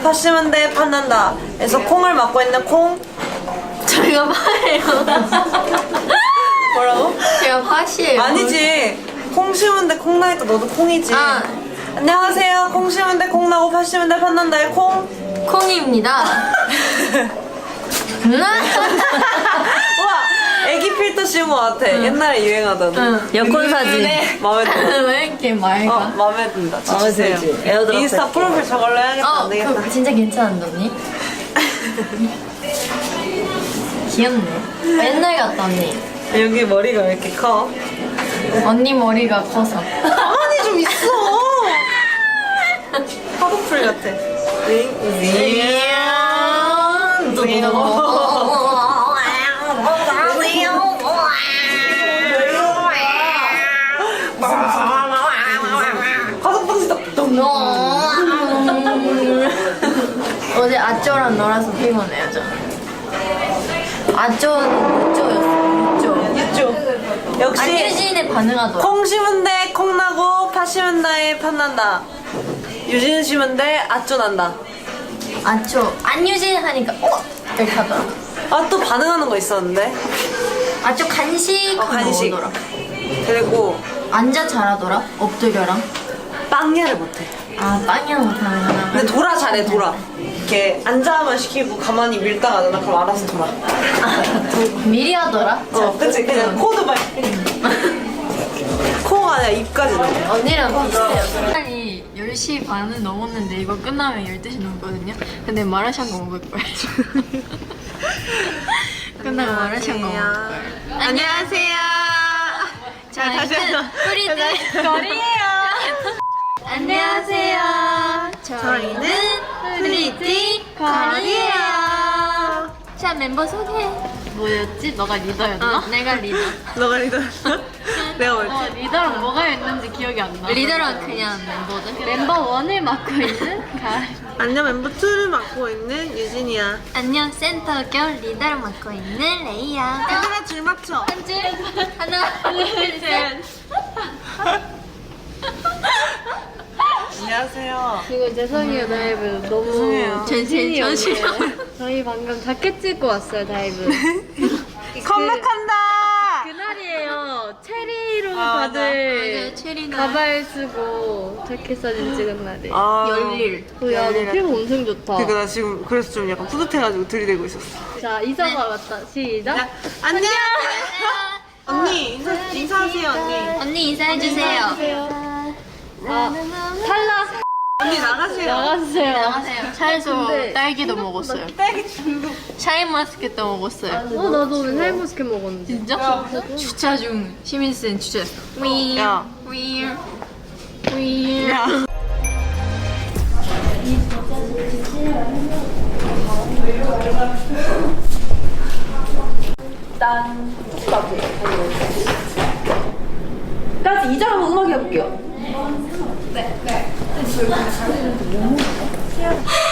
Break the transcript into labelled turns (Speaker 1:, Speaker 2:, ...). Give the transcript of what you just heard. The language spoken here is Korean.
Speaker 1: 파시면 돼 판난다. 그래서 콩을 맡고 있는 콩.
Speaker 2: 저희가 파예요.
Speaker 1: 뭐라고?
Speaker 2: 제가 팥이에요.
Speaker 1: 아니지. 콩 심으면 돼 콩 나니까 너도 콩이지.
Speaker 2: 아.
Speaker 1: 안녕하세요. 콩 심으면 돼 콩 나고 파시면 돼 판난다의 콩.
Speaker 2: 콩입니다.
Speaker 1: 우와 애기 필터 씌운 것 같아. 옛날에 유행하던.
Speaker 2: 응. 여권 사진.
Speaker 1: 마음에 들어.
Speaker 2: 왜 이렇게 맑아?
Speaker 1: 마음에 든다.
Speaker 2: 마음에
Speaker 1: 주세요.
Speaker 2: 들지. 에어드랍
Speaker 1: 인스타
Speaker 2: 할게.
Speaker 1: 프로필 저걸로 해야겠다. 안 되겠다.
Speaker 2: 그거 진짜 괜찮은데 언니? 귀엽네. 옛날 같다 언니.
Speaker 1: 여기 머리가 왜 이렇게 커?
Speaker 2: 언니 머리가 커서.
Speaker 1: 가만히 좀 있어. 화보풀 같아. 가슴방지다.
Speaker 2: 어제 아쪼랑 놀아서 피곤해요 저. 아쪼는 유쪼였어.
Speaker 1: 있죠. 역시
Speaker 2: 안유진에 반응하더라.
Speaker 1: 콩 심은 데 콩 나고 파 심은 다에 팥 난다. 유진 심은 데 아쪼 난다.
Speaker 2: 아쪼 안유진 하니까 이렇게 하더라.
Speaker 1: 아 또 반응하는 거 있었는데.
Speaker 2: 아쪼 간식
Speaker 1: 간식.
Speaker 2: 먹더라.
Speaker 1: 그리고
Speaker 2: 앉아 잘하더라. 엎드려랑.
Speaker 1: 빵야를 못해.
Speaker 2: 아 빵이야 못하는구나.
Speaker 1: 근데 돌아 잘해 돌아. 이렇게 앉아만 시키고 가만히 밀다가 하잖아. 그럼 알아서 돌아.
Speaker 2: 미리 하더라.
Speaker 1: 그치 그냥 코도 막 코가 아니라 입까지 넣어.
Speaker 2: 언니랑 비슷해요. 시간이 10시 반은 넘었는데 이거 끝나면 12시 넘거든요. 근데 마라샹궈 먹을 거예요. 끝나고 마라샹궈 먹을 거예요. 안녕하세요. 자,
Speaker 1: 다시 한번.
Speaker 2: 프리티 거리예요. 안녕하세요. 저희는 프리티 거리예요. 자, 멤버 소개. 뭐였지? 너가 리더였나? 내가 리더.
Speaker 1: 너가 리더. 내가 뭘지.
Speaker 3: 리더랑 뭐가 있는지 기억이 안 나.
Speaker 2: 리더랑 그냥 멤버들.
Speaker 3: 멤버 1을 맡고 있는 가을.
Speaker 1: 안녕 멤버 2를 맡고 있는 유진이야.
Speaker 2: 안녕 센터결 리더를 맡고 있는 레이야.
Speaker 1: 얘들아 줄 맞춰.
Speaker 2: 한 줄. 하나, 둘, 셋.
Speaker 1: 안녕하세요.
Speaker 3: 이거 죄송해요 다이브 너무
Speaker 1: 죄송해요.
Speaker 3: 전신이
Speaker 2: 전신.
Speaker 3: 없네요. 저희 방금 자켓 찍고 왔어요 다이브.
Speaker 1: 컴백한다.
Speaker 3: 그날이에요. 체리로
Speaker 1: 아,
Speaker 3: 다들
Speaker 2: 맞아요, 체리날.
Speaker 3: 가발 쓰고 자켓 사진 찍은 날이.
Speaker 1: 아,
Speaker 2: 열일.
Speaker 3: 야, 너 피부 엄청 좋다.
Speaker 1: 그러니까 나 지금 그래서 좀 약간 뿌듯해가지고 들이대고 있었어.
Speaker 3: 자, 이사가 왔다. 시작.
Speaker 1: 안녕. 언니 인사하세요 언니.
Speaker 2: 언니 인사해주세요.
Speaker 3: 아, 탈락.
Speaker 1: 언니 나가세요.
Speaker 3: 나가주세요.
Speaker 2: 나가세요. 차에서
Speaker 3: 근데
Speaker 2: 딸기도 먹었어요.
Speaker 1: 딸기 중독.
Speaker 2: 샤인머스켓도 먹었어요.
Speaker 3: 나도 오늘 헬머스켓 먹었는데.
Speaker 2: 진짜? 주차 중 시민센 주차. 위.
Speaker 1: 야.
Speaker 2: 위.
Speaker 1: 야.
Speaker 3: 까지 이자 한번 음악 해볼게요.